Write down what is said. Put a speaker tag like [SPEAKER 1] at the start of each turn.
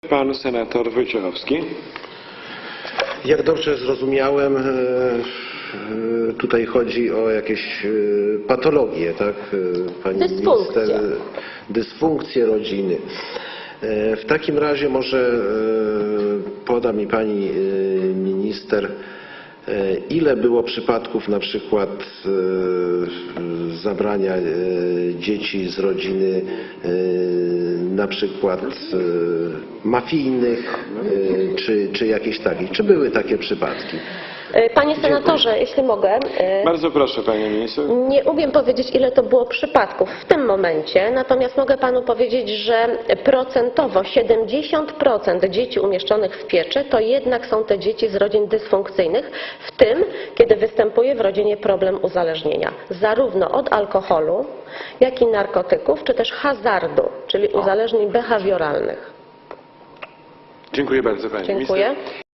[SPEAKER 1] Pan senator Wojciechowski.
[SPEAKER 2] Jak dobrze zrozumiałem, tutaj chodzi o jakieś patologie, tak? Pani minister, dysfunkcje rodziny. W takim razie może poda mi pani minister, ile było przypadków na przykład zabrania dzieci z rodziny na przykład mafijnych czy jakichś takich? Czy były takie przypadki?
[SPEAKER 3] Panie senatorze, jeśli mogę.
[SPEAKER 1] Bardzo proszę, pani minister.
[SPEAKER 3] Nie umiem powiedzieć, ile to było przypadków w tym momencie, natomiast mogę panu powiedzieć, że procentowo 70% dzieci umieszczonych w pieczy to jednak są te dzieci z rodzin dysfunkcyjnych, w tym kiedy występuje w rodzinie problem uzależnienia, zarówno od alkoholu, jak i narkotyków, czy też hazardu, czyli uzależnień behawioralnych.
[SPEAKER 1] Dziękuję bardzo, pani minister.
[SPEAKER 3] Dziękuję.